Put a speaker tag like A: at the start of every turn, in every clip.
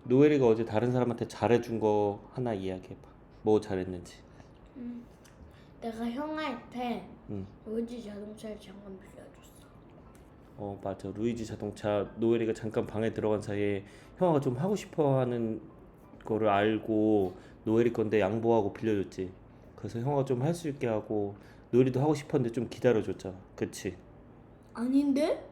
A: 노엘이가 어제 다른 사람한테 잘해준 거 하나 이야기해봐. 뭐 잘했는지.
B: 음, 내가 형한테
A: 응.
B: 로지 자동차를 잠깐 빌려줬어.
A: 맞아. 루이지 자동차 노엘이가 잠깐 방에 들어간 사이에 형아가 좀 하고 싶어 하는 거를 알고 노엘이 건데 양보하고 빌려줬지. 그래서 형아가 좀 할 수 있게 하고 노엘이도 하고 싶었는데 좀 기다려줬잖아. 그치?
B: 아닌데?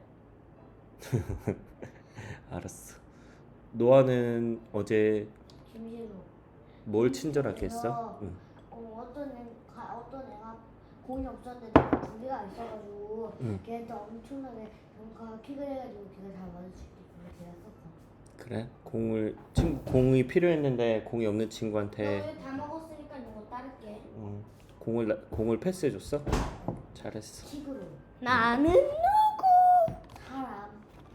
A: 알았어. 노아는 어제
C: 김신우.
A: 뭘 친절하게 했어?
C: 그래서
A: 응.
C: 어떤 애가 공이 없었는데 두 개가 있어가지고
A: 응.
C: 걔한테 엄청나게 뭔가 킥을 해가지고 걔가 잘 맞을 수 있게 걔가 썼어.
A: 그래? 공이 필요했는데 공이 없는 친구한테
B: 너다 먹었으니까 이거 따를게.
A: 공을 패스해줬어? 잘했어.
C: 킥으로.
B: 나는 누구?
C: 사람.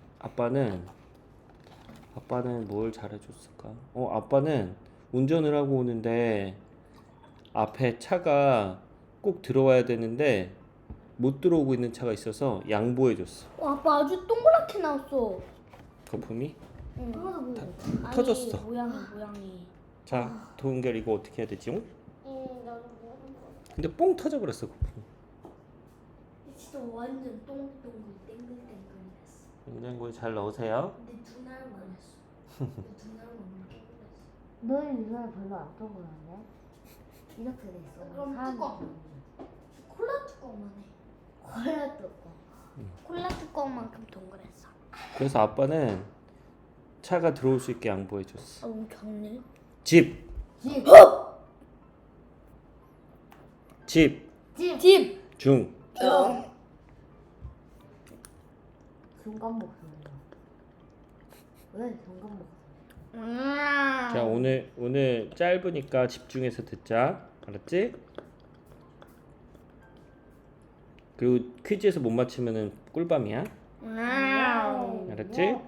A: 아빠는 뭘 잘해줬을까? 아빠는 운전을 하고 오는데 앞에 차가 꼭 들어와야 되는데 못 들어오고 있는 차가 있어서 양보해줬어.
B: 아빠 아주 동그랗게 나왔어.
A: 거품이?
B: 응.
C: 그거도 뭐.
B: 아니,
A: 터졌어.
B: 모양이.
A: 자, 도은결 이거 어떻게 해야 되지?
C: 나도 모르는 거.
A: 근데 뽕 터져버렸어 거품.
B: 진짜 완전 똥똥 땡글땡글했어.
A: 냉장고에 잘 넣으세요.
B: 근데 두 날만 했어. 두 날만 땡글했어.
C: 너는 이거는 별로 안 동그란데? 이렇게 돼 있어.
B: 그럼 뚜껑. 콜라 뚜껑만 해.
C: 콜라 뚜껑.
B: 콜라 뚜껑만큼 동그랬어.
A: 그래서 아빠는 차가 들어올 수 있게 양보해줬어.
B: 작네.
A: 집!
C: 집.
A: 집!
B: 집.
A: 중!
C: 중간 목소리야. 왜 중간 목소리?
A: 자, 오늘 짧으니까 집중해서 듣자. 알았지? 그리고 퀴즈에서 못 맞히면은 꿀밤이야. 알았지?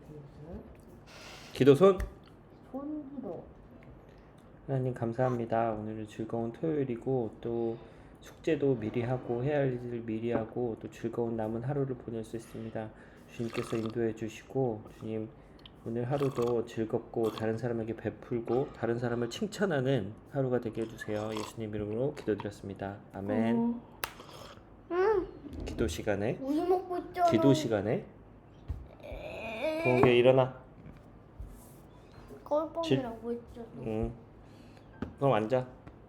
A: 기도 손.
C: 손기도.
A: 하나님 감사합니다. 오늘은 즐거운 토요일이고 또 숙제도 미리 하고 해야 할 일을 미리 하고 또 즐거운 남은 하루를 보낼 수 있습니다. 주님께서 인도해 주시고 주님 오늘 하루도 즐겁고 다른 사람에게 베풀고 다른 사람을 칭찬하는 하루가 되게 해주세요. 예수님 이름으로 기도드렸습니다. 아멘. 기도 시간에
B: 우유 먹고 있잖아.
A: 기도 시간에 동계 일어나.
B: 꼴뻥이라고 했잖아.
A: 응. 그럼 앉아.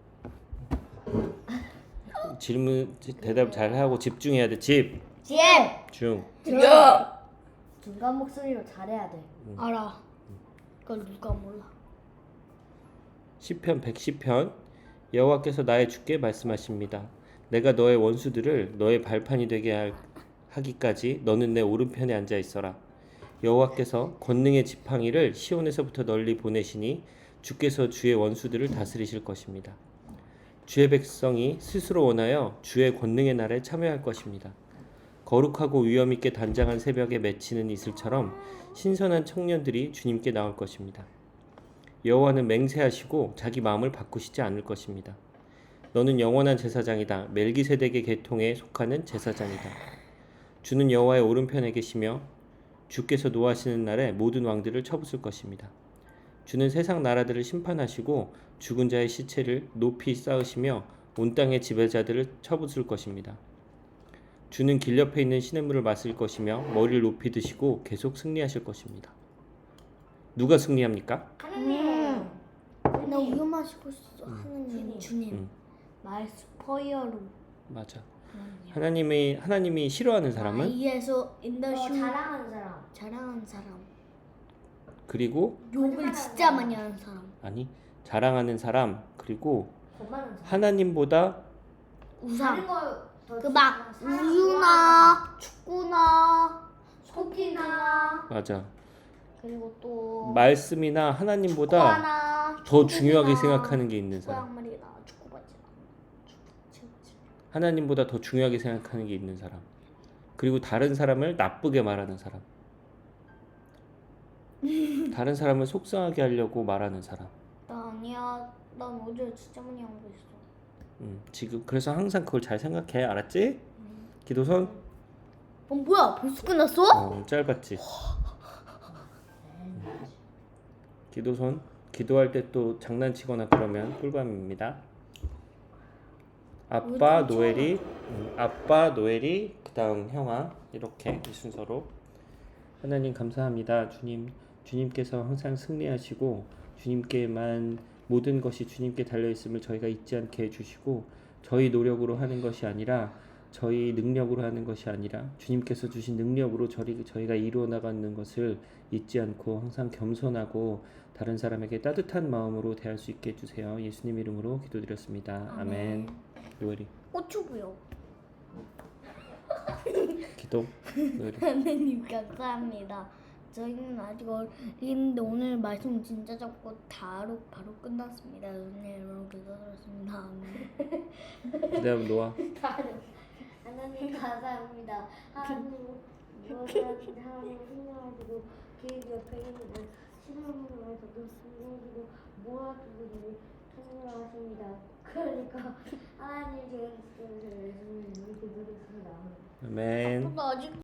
A: 질문 대답 잘 하고 집중해야 돼. 집.
C: 집.
A: 중.
C: 중간 목소리로 잘해야 돼.
B: 알아. 그걸 누가 몰라.
A: 시편 110편 여호와께서 나의 주께 말씀하십니다. 내가 너의 원수들을 너의 발판이 되게 하기까지 너는 내 오른편에 앉아 있어라. 여호와께서 권능의 지팡이를 시온에서부터 널리 보내시니 주께서 주의 원수들을 다스리실 것입니다. 주의 백성이 스스로 원하여 주의 권능의 날에 참여할 것입니다. 거룩하고 위엄 있게 단장한 새벽에 맺히는 이슬처럼 신선한 청년들이 주님께 나올 것입니다. 여호와는 맹세하시고 자기 마음을 바꾸시지 않을 것입니다. 너는 영원한 제사장이다. 멜기세덱의 계통에 속하는 제사장이다. 주는 여호와의 오른편에 계시며 주께서 노하시는 날에 모든 왕들을 쳐부술 것입니다. 주는 세상 나라들을 심판하시고 죽은 자의 시체를 높이 쌓으시며 온 땅의 지배자들을 쳐부술 것입니다. 주는 길 옆에 있는 시냇물을 마실 것이며 머리를 높이 드시고 계속 승리하실 것입니다. 누가 승리합니까?
C: 하느님.
B: 나 우유 마시고 있어. 하느님. 주님. 말스퍼이어로.
A: 맞아. 하나님이 싫어하는 사람은
B: 아이에서 인더슈
C: 자랑하는 사람.
B: 자랑하는 사람.
A: 그리고
B: 욕을 진짜 많이 하는 사람.
A: 아니 자랑하는 사람 그리고
C: 겁많은 사람.
A: 하나님보다
B: 우상.
C: 그
B: 막 우유나 축구나
C: 속이나.
A: 맞아.
B: 그리고 또
A: 말씀이나 하나님보다
B: 축구하나,
A: 더 중요하게
B: 축구나,
A: 생각하는 게 있는
B: 축구
A: 사람.
B: 양말이나 축구 바지나
A: 하나님보다 더 중요하게 생각하는 게 있는 사람. 그리고 다른 사람을 나쁘게 말하는 사람. 다른 사람을 속상하게 하려고 말하는 사람.
B: 나 아니야. 난 어제 진짜 많이 한 거 있어.
A: 지금 그래서 항상 그걸 잘 생각해. 알았지? 기도선?
B: 뭐야? 벌써 끝났어?
A: 짧았지. 기도손. 기도할 때 또 장난치거나 그러면 꿀밤입니다. 아빠 노엘이, 아빠 노엘이 그다음 형아 이렇게 이 순서로. 하나님 감사합니다. 주님께서 항상 승리하시고 주님께만 모든 것이 주님께 달려 있음을 저희가 잊지 않게 해주시고 저희 노력으로 하는 것이 아니라 저희 능력으로 하는 것이 아니라 주님께서 주신 능력으로 저희가 이루어 나가는 것을 잊지 않고 항상 겸손하고 다른 사람에게 따뜻한 마음으로 대할 수 있게 해주세요. 예수님 이름으로 기도드렸습니다. 아멘. 노엘이
B: 꽃주고요.
A: 기도. 노엘이.
B: 하나님 감사합니다. 저희는 아직 어린데 오늘 말씀 진짜 적고 바로 끝났습니다. 은혜로 기도드렸습니다.
A: 그다음 노아.
C: 하나님 감사합니다. 하나님 무엇이라든지 하나님 생명하시고 계획 옆에 있는 신앙으로서도 숨기고 모아두고 생명하십니다. 그러니까 하나님 제가 예수님 이렇게 드리겠습니다.
A: 아멘.
B: 아직